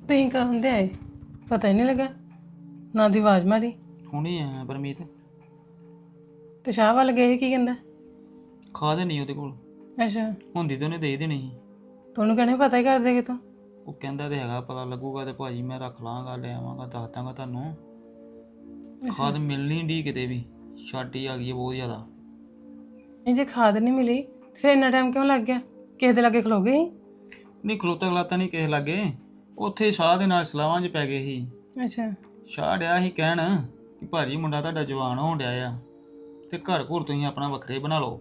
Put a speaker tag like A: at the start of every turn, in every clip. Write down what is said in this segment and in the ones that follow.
A: ਤੁਸੀਂ ਕਹਿੰਦੇ ਆਏ ਪਤਾ ਹੀ ਨਹੀਂ ਲੱਗਾ ਨਾ ਦੀ ਆਵਾਜ਼ ਮਾਰੀ
B: ਹੁਣੇ ਆਇਆ ਪਰਮੀਤ।
A: ਤੇ ਸ਼ਾਹ ਵੱਲ ਗਏ ਸੀ, ਕੀ ਕਹਿੰਦਾ?
B: ਖਾਦ ਨਹੀਂ ਉਹਦੇ ਕੋਲ,
A: ਅੱਛਾ,
B: ਹੁੰਦੀ ਤਾਂ ਉਹਨੇ ਦੇ ਦੇਣੀ ਸੀ।
A: ਤੁਹਾਨੂੰ ਕਹਿੰਦੇ ਪਤਾ ਹੀ ਕਰ ਦੇਗੇ ਤੂੰ।
B: ਉਹ ਕਹਿੰਦਾ ਤੇ ਹੈਗਾ ਪਤਾ ਲੱਗੂਗਾ ਤੇ ਭਾਜੀ ਮੈਂ ਰੱਖ ਲਾਂਗਾ, ਲੈ ਆਵਾਂਗਾ, ਦੱਸ ਦਾਂਗਾ ਤੁਹਾਨੂੰ। ਖਾਦ ਮਿਲਣੀ ਢੀ ਕਿਤੇ ਵੀ, ਛਾਟੀ ਆ ਗਈ ਹੈ ਬਹੁਤ ਜ਼ਿਆਦਾ।
A: ਨਹੀਂ ਜੇ ਖਾਦ ਨਹੀਂ ਮਿਲੀ ਤੇ ਫਿਰ ਇੰਨਾ ਟਾਈਮ ਕਿਉਂ ਲੱਗ ਗਿਆ? ਕਿਸੇ ਦੇ ਲਾਗੇ ਖਲੋ ਗਏ ਸੀ?
B: ਨਹੀਂ ਖਲੋਤਾ ਖਲਾਤਾ ਨਹੀਂ ਕਿਸੇ ਲਾਗੇ, ਉੱਥੇ ਸ਼ਾਹ ਦੇ ਨਾਲ ਸਲਾਵਾਂ 'ਚ ਪੈ ਗਏ ਸੀ।
A: ਅੱਛਾ,
B: ਸ਼ਾਹ ਡਿਆ ਸੀ ਕਹਿਣ ਕਿ ਭਾਜੀ ਮੁੰਡਾ ਤੁਹਾਡਾ ਜਵਾਨ ਹੋਣ ਡਿਆ ਆ ਤੇ ਘਰ ਘੁਰ ਤੁਸੀਂ ਆਪਣਾ ਵੱਖਰੇ ਬਣਾ ਲਓ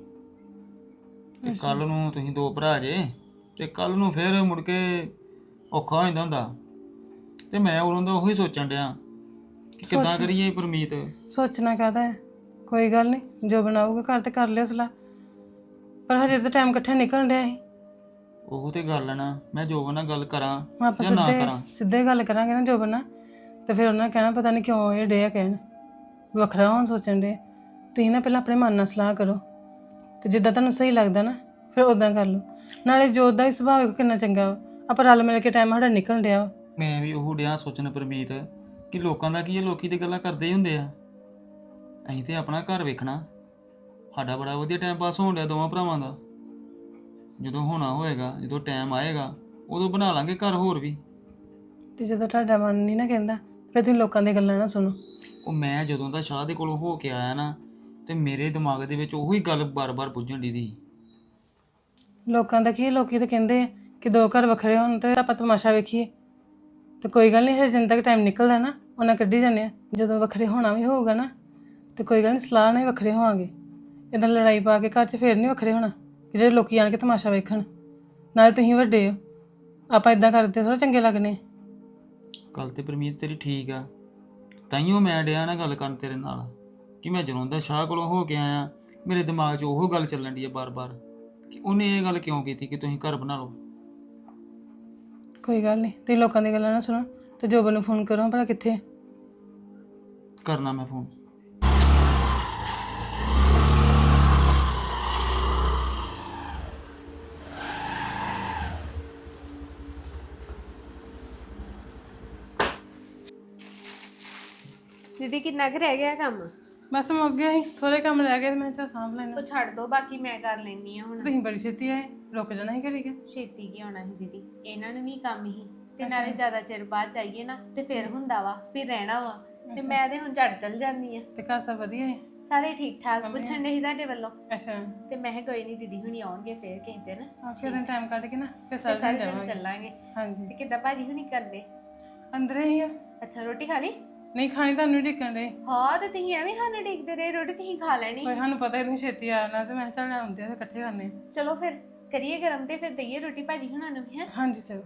B: ਤੇ ਕੱਲ ਨੂੰ ਤੁਸੀਂ ਦੋ ਭਰਾ ਜੇ ਤੇ ਕੱਲ ਨੂੰ ਫਿਰ ਮੁੜ ਕੇ ਔਖਾ ਹੋ ਜਾਂਦਾ ਹੁੰਦਾ। ਤੇ ਮੈਂ ਉਦੋਂ ਦਾ ਉਹੀ ਸੋਚਣ ਡਿਆ ਕਿ ਕਿੱਦਾਂ ਕਰੀਏ ਪਰਮੀਤ।
A: ਸੋਚਣਾ ਕਾਹਦਾ ਹੈ, ਕੋਈ ਗੱਲ ਨਹੀਂ, ਜੋ ਬਣਾਊਗਾ ਘਰ ਤੇ ਕਰ ਲਿਓ ਸਲਾਹ, ਪਰ ਹਜੇ ਤਾਂ ਟਾਈਮ ਇਕੱਠੇ ਨਿਕਲਣ ਡਿਆ ਸੀ।
B: ਉਹ ਤੇ ਗੱਲ ਹੈ ਨਾ, ਮੈਂ ਜੋਬਨ ਨਾਲ ਗੱਲ ਕਰਾਂ
A: ਆਪਾਂ
B: ਜਾਂ ਨਾ ਕਰਾਂ।
A: ਸਿੱਧੇ ਗੱਲ ਕਰਾਂਗੇ ਨਾ ਜੋਬਨ ਨਾਲ, ਤੇ ਫਿਰ ਉਹਨਾਂ ਨੇ ਕਹਿਣਾ ਪਤਾ ਨਹੀਂ ਕਿਉਂ ਇਹ ਡੇ ਆ ਕਹਿਣ ਵੱਖਰਾ ਹੋਣ ਸੋਚਣ ਡੇ। ਤੁਸੀਂ ਨਾ ਪਹਿਲਾਂ ਆਪਣੇ ਮਨ ਨਾਲ ਸਲਾਹ ਕਰੋ ਤੇ ਜਿੱਦਾਂ ਤੁਹਾਨੂੰ ਸਹੀ ਲੱਗਦਾ ਨਾ ਫਿਰ ਉਦਾਂ ਕਰ ਲਓ। ਨਾਲੇ ਜੋਤ ਦਾ ਵੀ ਸੁਭਾਅ ਵੇਖੋ ਕਿੰਨਾ ਚੰਗਾ ਵਾ, ਆਪਾਂ ਰਲ ਮਿਲ ਕੇ ਟਾਈਮ ਸਾਡਾ ਨਿਕਲਣ ਡਿਆ ਵਾ।
B: ਮੈਂ ਵੀ ਉਹ ਡਿਆ ਸੋਚਣ ਪਰਮੀਤ ਕਿ ਲੋਕਾਂ ਦਾ ਕੀ ਹੈ, ਲੋਕੀ ਤੇ ਗੱਲਾਂ ਕਰਦੇ ਹੀ ਹੁੰਦੇ ਆ, ਅਸੀਂ ਤੇ ਆਪਣਾ ਘਰ ਵੇਖਣਾ। ਸਾਡਾ ਬੜਾ ਵਧੀਆ ਟਾਈਮ ਪਾਸ ਹੋਣ ਡਿਆ ਦੋਵਾਂ ਭਰਾਵਾਂ ਦਾ। ਜਦੋਂ ਹੋਣਾ ਹੋਏਗਾ, ਜਦੋਂ ਟਾਈਮ ਆਏਗਾ ਉਦੋਂ ਬਣਾ ਲਾਂਗੇ ਘਰ ਹੋਰ ਵੀ।
A: ਤੇ ਜਦੋਂ ਤੁਹਾਡਾ ਮਨ ਨਹੀਂ ਨਾ ਕਹਿੰਦਾ ਫਿਰ ਤੁਸੀਂ ਲੋਕਾਂ ਦੀਆਂ ਗੱਲਾਂ ਨਾ ਸੁਣੋ।
B: ਉਹ ਮੈਂ ਜਦੋਂ ਦਾ ਸ਼ਾਹ ਦੇ ਕੋਲੋਂ ਹੋ ਕੇ ਆਇਆ ਨਾ ਤੇ ਮੇਰੇ ਦਿਮਾਗ ਦੇ ਵਿੱਚ ਉਹੀ ਗੱਲ ਬਾਰ-ਬਾਰ ਪੁੱਜਣ ਦੀ ਸੀ।
A: ਲੋਕਾਂ ਦਾ ਕੀ, ਲੋਕੀ ਤਾਂ ਕਹਿੰਦੇ ਆ ਕਿ ਦੋ ਘਰ ਵੱਖਰੇ ਹੋਣ ਤੇ ਆਪਾਂ ਤਮਾਸ਼ਾ ਵੇਖੀਏ। ਤੇ ਕੋਈ ਗੱਲ ਨਹੀਂ, ਹਜੇ ਜਿੰਨਾ ਤੱਕ ਟਾਈਮ ਨਿਕਲਦਾ ਨਾ ਉਹਨਾਂ ਕੱਢੀ ਜਾਂਦੇ ਆ। ਜਦੋਂ ਵੱਖਰੇ ਹੋਣਾ ਵੀ ਹੋਊਗਾ ਨਾ ਤੇ ਕੋਈ ਗੱਲ ਨਹੀਂ, ਸਲਾਹ ਨਾਲ ਹੀ ਵੱਖਰੇ ਹੋਵਾਂਗੇ। ਇੱਦਾਂ ਲੜਾਈ ਪਾ ਕੇ ਘਰ 'ਚ ਫੇਰ ਨਹੀਂ ਵੱਖਰੇ ਹੋਣਾ ਕਿ ਜਿਹੜੇ ਲੋਕੀ ਆਣ ਕੇ ਤਮਾਸ਼ਾ ਵੇਖਣ। ਨਾਲੇ ਤੁਸੀਂ ਵੱਡੇ ਹੋ, ਆਪਾਂ ਇਦਾਂ ਕਰਦੇ ਥੋੜ੍ਹਾ ਚੰਗੇ ਲੱਗਣੇ।
B: ਗੱਲ ਤੇ ਪਰਮੀਤ ਤੇਰੀ ਠੀਕ ਆ, ਤਾਈਓ ਮੈਂ ਡਿਆ ਨਾ ਗੱਲ ਕਰਨ ਤੇਰੇ ਨਾਲ ਕਿ ਮੈਂ ਜਦੋਂ ਦਾ ਸ਼ਾਹ ਕੋਲੋਂ ਹੋ ਕੇ ਆਇਆ ਮੇਰੇ ਦਿਮਾਗ 'ਚ ਉਹ ਗੱਲ ਚੱਲਣ ਦੀ ਆ ਬਾਰ-ਬਾਰ ਕਿ ਉਹਨੇ ਇਹ ਗੱਲ ਕਿਉਂ ਕੀਤੀ ਕਿ ਤੁਸੀਂ ਘਰ ਬਣਾ ਲਓ।
A: ਕੋਈ ਗੱਲ ਨਹੀਂ, ਤੁਸੀਂ ਲੋਕਾਂ ਦੀਆਂ ਗੱਲਾਂ ਨਾ ਸੁਣੋ ਤੇ ਜੋਬਨ ਨੂੰ ਫੋਨ ਕਰੋ ਭਲਾ ਕਿੱਥੇ ਹੈ।
B: ਕਰਨਾ ਮੈਂ ਫੋਨ।
C: ਦੀਦੀ ਕਿੰਨਾ ਕੁ ਰਹਿ ਗਿਆ ਕੰਮ?
A: ਬਸ ਮੁੱਕ ਗਿਆ ਸੀ, ਥੋੜੇ ਕੰਮ ਰਹਿ ਗਏ ਤੇ ਮੈਂ ਚਲ ਸਾਂਭ ਲੈਣਾ।
C: ਉਹ ਛੱਡ ਦੋ, ਬਾਕੀ ਮੈਂ ਕਰ ਲੈਣੀ ਆ ਹੁਣ।
A: ਤੁਸੀਂ ਬੜੀ ਛੇਤੀ ਆਏ, ਰੁਕ ਜਾਣਾ ਸੀ ਘੜੀ ਕੇ।
C: ਛੇਤੀ ਕੀ ਹੋਣਾ ਸੀ ਦੀਦੀ, ਇਹਨਾਂ ਨੂੰ ਵੀ ਕੰਮ ਹੀ ਤੇ ਨਾਲੇ ਜ਼ਿਆਦਾ ਚਿਰ ਬਾਅਦ ਚਾਹੀਏ ਨਾ ਤੇ ਫਿਰ ਹੁੰਦਾ ਵਾ ਫਿਰ ਰਹਿਣਾ ਵਾ, ਤੇ ਮੈਂ ਤੇ ਹੁਣ ਝੜ ਚਲ ਜਾਂਦੀ ਆ।
A: ਤੇ ਘਰ ਸਭ ਵਧੀਆ ਹੈ?
C: ਸਾਰੇ ਠੀਕ ਠਾਕ। ਪੁੱਛਣ ਦੇ ਸੀ ਤੁਹਾਡੇ ਵੱਲੋਂ
A: ਅੱਛਾ,
C: ਤੇ ਮੈਂ ਕਿਹਾ ਕੋਈ ਨਹੀਂ, ਦੀਦੀ ਹੁਣੀ ਆਉਣਗੇ ਫਿਰ ਕਿਸੇ ਦਿਨ,
A: ਫਿਰ ਟਾਈਮ ਕੱਢ ਕੇ ਨਾ ਫਿਰ
C: ਸਾਰੇ
A: ਸਾਰੇ
C: ਜਣੇ
A: ਜਾਵਾਂਗੇ।
C: ਚੱਲਾਂਗੇ।
A: ਹਾਂਜੀ,
C: ਤੇ ਕਿੱਦਾਂ ਭਾਜੀ ਹੁਣੀ ਕਰਦੇ?
A: ਅੰਦਰ ਹੀ ਆ।
C: ਅੱਛਾ, ਰੋਟੀ ਖਾ ਲਈ?
A: ਨਹੀਂ ਖਾਣੀ, ਤੁਹਾਨੂੰ ਢਿੱਕਣ ਦੇ।
C: ਹਾਂ, ਤੇ ਤੁਸੀਂ ਐਵੇਂ ਸਾਨੂੰ ਡੀਕਦੇ ਰਹੇ, ਰੋਟੀ ਤੁਸੀਂ ਖਾ ਲੈਣੀ।
A: ਕੋਈ ਸਾਨੂੰ ਪਤਾ ਹੀ ਤੁਸੀਂ ਛੇਤੀ ਆ ਜਾਣਾ ਤੇ ਮੈਂ ਚੱਲ ਆਉਂਦੇ ਆ ਫਿਰ ਇਕੱਠੇ ਕਰਨੇ।
C: ਚਲੋ ਫਿਰ ਕਰੀਏ ਗਰਮ ਤੇ ਫਿਰ ਦਈਏ ਰੋਟੀ ਭਾਜੀ ਹੁਣਾਂ ਨੂੰ ਵੀ। ਹੈ
A: ਹਾਂਜੀ ਚਲੋ।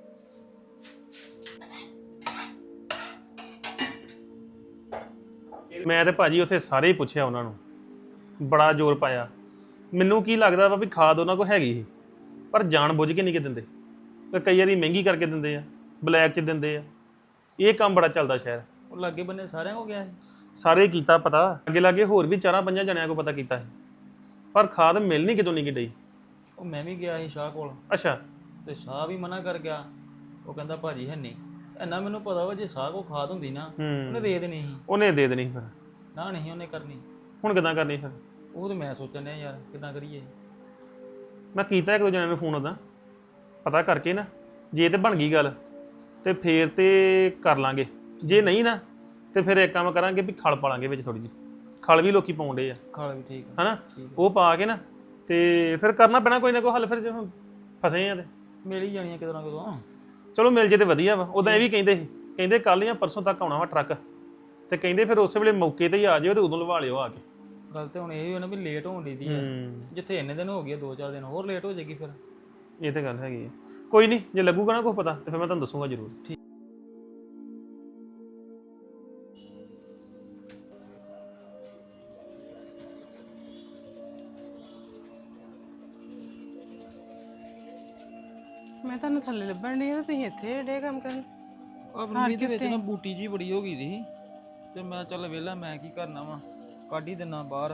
D: ਮੈਂ ਤੇ ਭਾਜੀ ਉੱਥੇ ਸਾਰੇ ਹੀ ਪੁੱਛਿਆ ਉਹਨਾਂ ਨੂੰ, ਬੜਾ ਜ਼ੋਰ ਪਾਇਆ। ਮੈਨੂੰ ਕੀ ਲੱਗਦਾ ਵਾ ਵੀ ਖਾਦ ਉਹਨਾਂ ਕੋਲ ਹੈਗੀ ਸੀ ਪਰ ਜਾਣ ਬੁੱਝ ਕੇ ਨਹੀਂ ਕਿ ਦਿੰਦੇ। ਕਈ ਵਾਰੀ ਮਹਿੰਗੀ ਕਰਕੇ ਦਿੰਦੇ ਆ, ਬਲੈਕ 'ਚ ਦਿੰਦੇ ਆ। ਇਹ ਕੰਮ ਬੜਾ ਚੱਲਦਾ ਸ਼ਹਿਰ।
B: ਉਹ ਲਾਗੇ ਬੰਨੇ ਸਾਰਿਆਂ ਹੋ ਗਿਆ ਸੀ।
D: ਸਾਰੇ ਕੀਤਾ ਪਤਾ, ਅੱਗੇ ਲਾਗੇ ਹੋਰ ਵੀ 4-5 ਜਣਿਆਂ ਕੋਲ ਪਤਾ ਕੀਤਾ ਸੀ, ਪਰ ਖਾਦ ਮਿਲਣੀ ਕਿਤੋਂ ਨਹੀਂ ਡਈ।
B: ਉਹ ਮੈਂ ਵੀ ਗਿਆ ਸੀ ਸ਼ਾਹ ਕੋਲ
D: ਅੱਛਾ,
B: ਤੇ ਸ਼ਾਹ ਵੀ ਮਨਾ ਕਰ ਗਿਆ। ਉਹ ਕਹਿੰਦਾ ਭਾਜੀ ਹੈ ਨਹੀਂ। ਇੰਨਾ ਮੈਨੂੰ ਪਤਾ ਵਾ ਜੇ ਸ਼ਾਹ ਕੋਲ ਖਾਦ ਹੁੰਦੀ ਨਾ ਉਹਨੇ ਦੇ ਦੇਣੀ ਸੀ।
D: ਉਹਨੇ ਦੇ ਦੇਣੀ ਫਿਰ,
B: ਨਾ ਨਹੀਂ ਉਹਨੇ ਕਰਨੀ।
D: ਹੁਣ ਕਿੱਦਾਂ ਕਰਨੀ ਫਿਰ?
B: ਉਹ ਤੇ ਮੈਂ ਸੋਚਣ ਡਿਆ ਯਾਰ ਕਿੱਦਾਂ ਕਰੀਏ।
D: ਮੈਂ ਕੀਤਾ ਇੱਕ ਦੋ ਜਣਿਆਂ ਨੂੰ ਫੋਨ ਉੱਦਾਂ ਪਤਾ ਕਰਕੇ ਨਾ, ਜੇ ਤੇ ਬਣ ਗਈ ਗੱਲ ਤੇ ਫੇਰ ਤੇ ਕਰ ਲਾਂਗੇ, ਜੇ ਨਹੀਂ ਨਾ ਤੇ ਫਿਰ ਇੱਕ ਕੰਮ ਕਰਾਂਗੇ ਵੀ ਖਲ ਪਾ ਲਾਂਗੇ ਵਿੱਚ ਥੋੜੀ ਜਿਹੀ। ਖਲ ਵੀ ਲੋਕੀ ਪਾਉਂਦੇ ਆ,
B: ਖਾਲ ਵੀ ਠੀਕ ਆ।
D: ਹਨਾ, ਉਹ ਪਾ ਕੇ ਨਾ ਤੇ ਫਿਰ ਕਰਨਾ ਪੈਣਾ ਕੋਈ ਨਾ ਕੋਈ ਹੱਲ। ਫਿਰ ਜੇ ਹੁਣ ਫਸੇ ਆ ਤੇ
B: ਮਿਲ ਹੀ ਜਾਣੀਆਂ ਕਿਦੋਂ ਨਾ ਕਿਦੋਂ।
D: ਚਲੋ ਮਿਲ ਜੇ ਤੇ ਵਧੀਆ ਵਾ। ਉਦਾਂ ਇਹ ਵੀ ਕਹਿੰਦੇ ਸੀ, ਕਹਿੰਦੇ ਕੱਲ੍ਹ ਜਾਂ ਪਰਸੋਂ ਤੱਕ ਆਉਣਾ ਵਾ ਟਰੱਕ, ਤੇ ਕਹਿੰਦੇ ਫਿਰ ਉਸੇ ਵੇਲੇ ਮੌਕੇ ਤੇ ਹੀ ਆ ਜਿਓ ਤੇ ਉਦੋਂ ਲਵਾ ਲਿਓ ਆ ਕੇ।
B: ਗੱਲ ਤੇ ਹੁਣ ਇਹ ਹੋਣਾ ਵੀ ਲੇਟ ਹੋਣ ਦੀ ਆ। ਜਿੱਥੇ ਇੰਨੇ ਦਿਨ ਹੋ ਗਏ, 2-4 ਦਿਨ ਹੋਰ ਲੇਟ ਹੋ ਜਾਏਗੀ ਫਿਰ।
D: ਇਹ ਤੇ ਗੱਲ ਹੈਗੀ ਹੈ। ਕੋਈ ਨਹੀਂ, ਜੇ ਲੱਗੂਗਾ ਨਾ ਕੁਛ ਪਤਾ ਤੇ ਫਿਰ ਮੈਂ ਤੁਹਾਨੂੰ ਦੱਸੂਗਾ ਜ਼ਰੂਰ।
B: ਠੀਕ।
A: ਮੈਂ ਤੁਹਾਨੂੰ ਥੱਲੇ ਲੱਭਣ ਡਈ ਆ ਤੇ ਤੁਸੀਂ ਇੱਥੇ ਡੇ ਕੰਮ ਕਰਨ।
B: ਆਪਣੀ ਦੇ ਵਿੱਚ ਨਾ ਬੂਟੀ ਜੀ ਬੜੀ ਹੋ ਗਈ ਸੀ ਤੇ ਮੈਂ ਚੱਲ ਵਿਹਲਾ, ਮੈਂ ਕੀ ਕਰਨਾ ਵਾ, ਕੱਢ ਹੀ ਦਿਨਾ ਬਾਹਰ।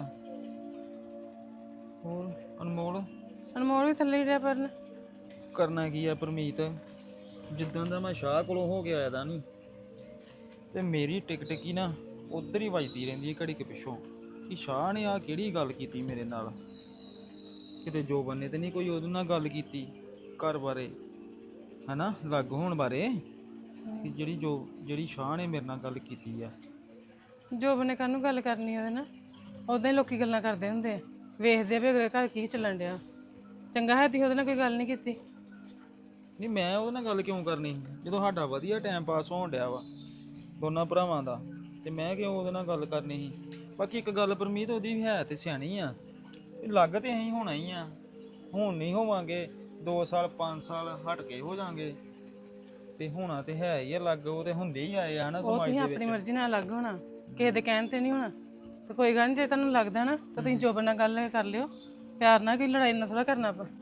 B: ਹੋਰ ਅਨਮੋਲ
A: ਅਨਮੋਲ ਵੀ ਥੱਲੇ ਹੀ ਰਿਹਾ ਪਰਨ।
B: ਕਰਨਾ ਕੀ ਆ ਪਰਮੀਤ, ਜਿੱਦਾਂ ਦਾ ਮੈਂ ਸ਼ਾਹ ਕੋਲੋਂ ਹੋ ਕੇ ਆਇਆ ਦਾ ਨਹੀਂ ਤੇ ਮੇਰੀ ਟਿਕ ਟਿਕੀ ਨਾ ਉਧਰ ਹੀ ਵੱਜਦੀ ਰਹਿੰਦੀ ਹੈ ਘੜੀ ਕੇ ਪਿੱਛੋਂ ਕਿ ਸ਼ਾਹ ਨੇ ਆ ਕਿਹੜੀ ਗੱਲ ਕੀਤੀ ਮੇਰੇ ਨਾਲ। ਕਿਤੇ ਜੋਬਨ ਨੇ ਤੇ ਨਹੀਂ ਕੋਈ ਉਹਦੇ ਨਾਲ ਗੱਲ ਕੀਤੀ ਘਰ ਬਾਰੇ, ਹਨਾ, ਲੱਗ ਹੋਣ ਬਾਰੇ, ਕਿ ਜਿਹੜੀ ਸ਼ਾਹ ਨੇ ਮੇਰੇ ਨਾਲ ਗੱਲ ਕੀਤੀ ਆ।
A: ਜੋਬ ਨੇ ਕਾਹਨੂੰ ਗੱਲ ਕਰਨੀ ਉਹਦੇ ਨਾਲ? ਉਦਾਂ ਹੀ ਲੋਕੀ ਗੱਲਾਂ ਕਰਦੇ ਹੁੰਦੇ ਆ, ਵੇਖਦੇ ਆ ਵੀ ਅਗਲੇ ਘਰ ਕੀ ਚੱਲਣ ਡਿਆ। ਚੰਗਾ ਹੈ ਤੀ ਉਹਦੇ ਨਾਲ ਕੋਈ ਗੱਲ ਨਹੀਂ ਕੀਤੀ।
B: ਨਹੀਂ ਮੈਂ ਉਹਦੇ ਨਾਲ ਗੱਲ ਕਿਉਂ ਕਰਨੀ ਜਦੋਂ ਸਾਡਾ ਵਧੀਆ ਟਾਈਮ ਪਾਸ ਹੋਣ ਡਿਆ ਵਾ ਦੋਨਾਂ ਭਰਾਵਾਂ ਦਾ, ਤੇ ਮੈਂ ਕਿਉਂ ਉਹਦੇ ਨਾਲ ਗੱਲ ਕਰਨੀ ਸੀ। ਬਾਕੀ ਇੱਕ ਗੱਲ ਪਰਮੀਤ, ਉਹਦੀ ਵੀ ਹੈ ਤੇ ਸਿਆਣੀ ਆ, ਲੱਗ ਤੇ ਅਸੀਂ ਹੋਣਾ ਹੀ ਆ, ਹੁਣ ਨਹੀਂ ਹੋਵਾਂਗੇ 2 ਸਾਲ 5 ਸਾਲ ਹਟ ਕੇ ਹੋ ਜਾਾਂਗੇ, ਤੇ ਹੋਣਾ ਤੇ ਹੈ ਹੀ ਆ ਲੱਗ, ਉਹ ਤੇ ਹੁੰਦੇ ਹੀ ਆਏ ਆ ਹਨਾ
A: ਉਹ
B: ਸਮਾਜ
A: ਤੁਸੀਂ
B: ਦੇ
A: ਆਪਣੀ
B: ਵਿੱਚ।
A: ਮਰਜ਼ੀ ਨਾਲ ਅਲੱਗ ਹੋਣਾ, ਕਿਸੇ ਦੇ ਕਹਿਣ ਤੇ ਨਹੀਂ ਹੋਣਾ। ਤੇ ਕੋਈ ਗੱਲ ਨਹੀਂ, ਜੇ ਤੁਹਾਨੂੰ ਲੱਗਦਾ ਨਾ ਤਾਂ ਤੁਸੀਂ ਜੋਬ ਨਾਲ ਗੱਲ ਕਰ ਲਿਓ, ਪਿਆਰ ਨਾਲ, ਕੋਈ ਲੜਾਈ ਨਾਲ ਥੋੜਾ ਕਰਨਾ ਆਪਾਂ।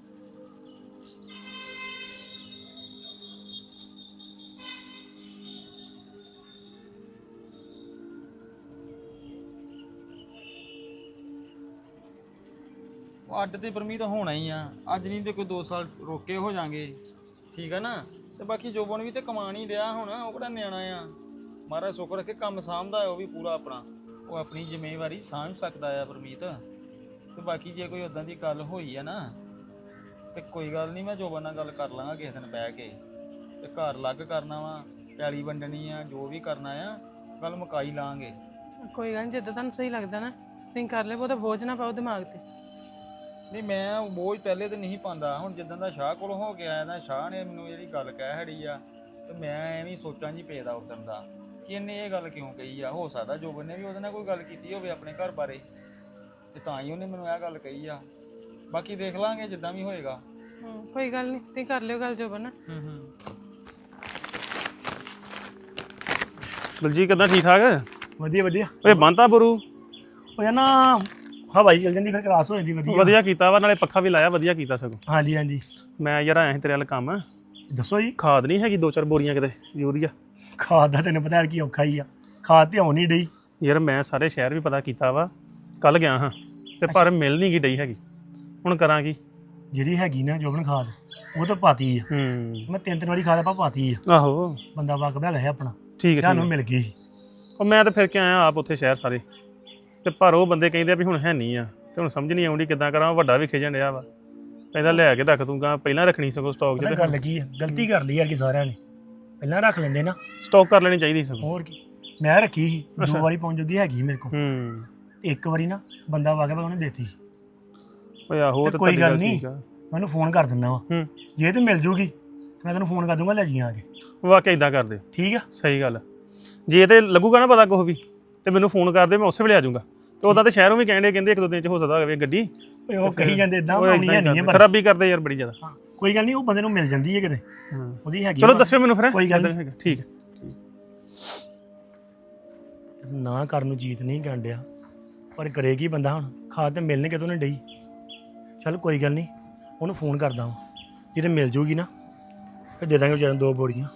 B: ਅੱਡ ਤੇ ਪਰਮੀਤ ਹੋਣਾ ਹੀ ਆ, ਅੱਜ ਨਹੀਂ ਤੇ ਕੋਈ 2 ਸਾਲ ਰੋਕੇ ਹੋ ਜਾਾਂਗੇ, ਠੀਕ ਆ ਨਾ। ਤੇ ਬਾਕੀ ਜੋਬਨ ਵੀ ਤੇ ਕਮਾਣ ਹੀ ਰਿਹਾ ਹੁਣ, ਉਹ ਕਿਹੜਾ ਨਿਆਣਾ ਆ, ਮਹਾਰਾਜ ਸੁੱਖ ਰੱਖੇ ਕੰਮ ਸਾਂਭਦਾ ਉਹ ਵੀ ਪੂਰਾ ਆਪਣਾ, ਉਹ ਆਪਣੀ ਜ਼ਿੰਮੇਵਾਰੀ ਸਾਂਭ ਸਕਦਾ ਆ ਪਰਮੀਤ। ਤੇ ਬਾਕੀ ਜੇ ਕੋਈ ਉਦਾਂ ਦੀ ਗੱਲ ਹੋਈ ਆ ਨਾ ਤੇ ਕੋਈ ਗੱਲ ਨਹੀਂ, ਮੈਂ ਜੋਬਨ ਨਾਲ ਗੱਲ ਕਰ ਲਾਂਗਾ ਕਿਸੇ ਦਿਨ ਬਹਿ ਕੇ, ਤੇ ਘਰ ਅਲੱਗ ਕਰਨਾ ਵਾ, ਪੈਲੀ ਵੰਡਣੀ ਆ, ਜੋ ਵੀ ਕਰਨਾ ਆ ਗੱਲ ਮੁਕਾਈ ਲਾਂਗੇ।
A: ਕੋਈ ਗੱਲ ਨਹੀਂ, ਜਿੱਦਾਂ ਤੁਹਾਨੂੰ ਸਹੀ ਲੱਗਦਾ ਨਾ ਤੁਸੀਂ ਕਰ ਲਿਓ, ਬਹੁਤਾ ਬੋਝ ਨਾ ਪਾਓ ਦਿਮਾਗ ਤੇ।
B: ਨਹੀਂ ਮੈਂ ਬੋਝ ਪਹਿਲੇ ਤੇ ਨਹੀਂ ਪਾਉਂਦਾ, ਹੁਣ ਜਿੱਦਾਂ ਦਾ ਸ਼ਾਹ ਕੋਲੋਂ ਹੋ ਕੇ ਆਇਆ ਨਾ, ਸ਼ਾਹ ਨੇ ਮੈਨੂੰ ਜਿਹੜੀ ਗੱਲ ਕਹਿ ਹੜੀ ਆ, ਤੇ ਮੈਂ ਐਵੇਂ ਸੋਚਾਂ ਜੀ ਪੇਦਾ ਉਦੋਂ ਦਾ ਕਿ ਇਹਨੇ ਇਹ ਗੱਲ ਕਿਉਂ ਕਹੀ ਆ। ਹੋ ਸਕਦਾ ਜੋਬਨ ਨੇ ਵੀ ਉਹਦੇ ਨਾਲ ਕੋਈ ਗੱਲ ਕੀਤੀ ਹੋਵੇ ਆਪਣੇ ਘਰ ਬਾਰੇ, ਤੇ ਤਾਂ ਹੀ ਉਹਨੇ ਮੈਨੂੰ ਇਹ ਗੱਲ ਕਹੀ ਆ। ਬਾਕੀ ਦੇਖ ਲਾਂਗੇ ਜਿੱਦਾਂ ਵੀ ਹੋਏਗਾ।
A: ਕੋਈ ਗੱਲ ਨਹੀਂ, ਤੁਸੀਂ ਕਰ ਲਿਓ ਗੱਲ ਜੋਬਨ ਨਾਲ।
D: ਦਲਜੀਤ ਕਿੱਦਾਂ, ਠੀਕ ਠਾਕ?
E: ਵਧੀਆ ਵਧੀਆ।
D: ਓਏ ਬੰਤਾ ਬਰੂ
E: ਉਹ ਯਾਰ ਨਾ ਹਵਾਈ ਚੱਲ ਜਾਂਦੀ, ਫਿਰ ਕਲਾਸ ਹੋ ਜਾਂਦੀ ਵਧੀਆ।
D: ਵਧੀਆ ਕੀਤਾ ਵਾ, ਨਾਲੇ ਪੱਖਾ ਵੀ ਲਾਇਆ, ਵਧੀਆ ਕੀਤਾ ਸਗੋਂ।
E: ਹਾਂਜੀ ਹਾਂਜੀ
D: ਮੈਂ ਯਾਰ ਆਇਆ ਸੀ ਤੇਰੇ ਵੱਲ ਕੰਮ,
E: ਦੱਸੋ ਜੀ।
D: ਖਾਦ ਨਹੀਂ ਹੈਗੀ 2-4 ਬੋਰੀਆਂ ਕਿਤੇ ਯੂਰੀਆ?
E: ਖਾਦ ਦਾ ਤੈਨੂੰ ਪਤਾ ਕੀ ਔਖਾ ਹੀ ਆ, ਖਾਦ ਤੇ ਆਉਣ ਨਹੀਂ ਡਈ।
D: ਯਾਰ ਮੈਂ ਸਾਰੇ ਸ਼ਹਿਰ ਵੀ ਪਤਾ ਕੀਤਾ ਵਾ, ਕੱਲ ਗਿਆ ਹਾਂ ਤੇ ਪਰ ਮਿਲ ਨਹੀਂ ਗਈ ਡਈ ਹੈਗੀ, ਹੁਣ ਕਰਾਂ ਕੀ?
E: ਜਿਹੜੀ ਹੈਗੀ ਨਾ ਜੋਬਨ ਖਾਦ, ਉਹ ਤਾਂ ਪਾਤੀ ਆ। ਮੈਂ 3 ਵਾਰੀ ਖਾਦ ਆਪਾਂ ਪਾਤੀ ਆ।
D: ਆਹੋ
E: ਬੰਦਾ ਵਾਕਬ ਹੈਗਾ ਹੈ ਆਪਣਾ,
D: ਠੀਕ ਹੈ।
E: ਤੁਹਾਨੂੰ ਮਿਲ ਗਈ।
D: ਉਹ ਮੈਂ ਤਾਂ ਫਿਰ ਕੇ ਆਇਆ ਆਪ ਉੱਥੇ ਸ਼ਹਿਰ ਸਾਰੇ, ਤੇ ਪਰ ਉਹ ਬੰਦੇ ਕਹਿੰਦੇ ਆ ਵੀ ਹੁਣ ਹੈ ਨਹੀਂ ਆ, ਤੇ ਹੁਣ ਸਮਝ ਨਹੀਂ ਆਉਂਦੀ ਕਿੱਦਾਂ ਕਰਾਂ। ਵੱਡਾ ਵੀ ਖਿਜਣ ਡਿਆ ਵਾ, ਕਹਿੰਦਾ ਲੈ ਕੇ ਰੱਖ ਦੂੰਗਾ, ਪਹਿਲਾਂ ਰੱਖਣੀ ਸਗੋਂ ਸਟਾਕ 'ਚ।
E: ਪਤਾ ਗੱਲ ਕੀ ਆ, ਗਲਤੀ ਕਰ ਲਈ ਯਾਰ ਕਿ ਸਾਰਿਆਂ ਨੇ, ਪਹਿਲਾਂ ਰੱਖ ਲੈਂਦੇ ਨਾ,
D: ਸਟਾਕ ਕਰ ਲੈਣੀ ਚਾਹੀਦੀ ਸਗੋਂ।
E: ਹੋਰ ਕੀ। ਮੈਂ ਰੱਖੀ ਸੀ 2 ਵਾਰੀ ਪਹੁੰਚ ਜੂਗੀ ਹੈਗੀ ਮੇਰੇ ਕੋਲ, ਤੇ 1 ਵਾਰੀ ਨਾ ਬੰਦਾ ਵਾਕਬ ਉਹਨੇ ਦੇਤੀ।
D: ਓਏ ਆਹੋ
E: ਤੇ ਕੋਈ ਗੱਲ ਨਹੀਂ, ਮੈਨੂੰ ਫੋਨ ਕਰ ਦਿੰਦਾ ਵਾ, ਜੇ ਤੇ ਮਿਲ ਜੂਗੀ ਤੇ ਮੈਂ ਤੈਨੂੰ ਫੋਨ ਕਰ ਦੂੰਗਾ, ਲੈ ਜੀ ਆ ਕੇ।
D: ਵਾਕਿਆ ਇਦਾਂ ਕਰਦੇ,
E: ਠੀਕ ਆ।
D: ਸਹੀ ਗੱਲ। ਜੇ ਤੇ ਲੱਗੂਗਾ ਨਾ ਪਤਾ ਕੁਛ ਵੀ, ਤੇ ਮੈਨੂੰ ਫੋਨ ਕਰ ਦੇ, ਮੈਂ ਉਸੇ ਵੇਲੇ ਆ ਜਾਊਂਗਾ। ਤੇ ਉਦਾਂ ਤੇ ਸ਼ਹਿਰੋਂ ਵੀ ਕਹਿੰਦੇ 1-2 ਦਿਨ ਚ ਹੋ ਸਕਦਾ ਹੋਵੇ ਗੱਡੀ।
E: ਉਹ ਕਹੀ ਜਾਂਦੇ ਇਦਾਂ ਆਉਣੀ ਹੈ ਨਹੀਂ,
D: ਖਰਾਬੀ ਕਰਦੇ ਯਾਰ ਬੜੀ ਜ਼ਿਆਦਾ।
E: ਕੋਈ ਗੱਲ ਨਹੀਂ, ਉਹ ਬੰਦੇ ਨੂੰ ਮਿਲ ਜਾਂਦੀ ਹੈ ਕਿਤੇ, ਉਹਦੀ ਹੈਗੀ।
D: ਚਲੋ ਦੱਸਿਓ ਮੈਨੂੰ ਫਿਰ।
E: ਕੋਈ ਗੱਲ ਨਹੀਂ,
D: ਠੀਕ ਹੈ।
E: ਨਾ ਕਰਨ ਨੂੰ ਜੀਤ ਨਹੀਂ ਗੰਡਿਆ, ਪਰ ਕਰੇਗੀ ਬੰਦਾ ਹੁਣ। ਖਾਦ ਤੇ ਮਿਲਣੇ ਕਿਤੋਂ ਨਹੀਂ ਡਈ। ਚੱਲ ਕੋਈ ਗੱਲ ਨਹੀਂ, ਉਹਨੂੰ ਫੋਨ ਕਰਦਾ ਵਾਂ, ਜਿਹਦੇ ਮਿਲ ਜੂਗੀ ਨਾ ਫਿਰ ਦੇ ਦਾਂਗੇ ਵਿਚਾਰੇ 2 ਬੋਰੀਆਂ।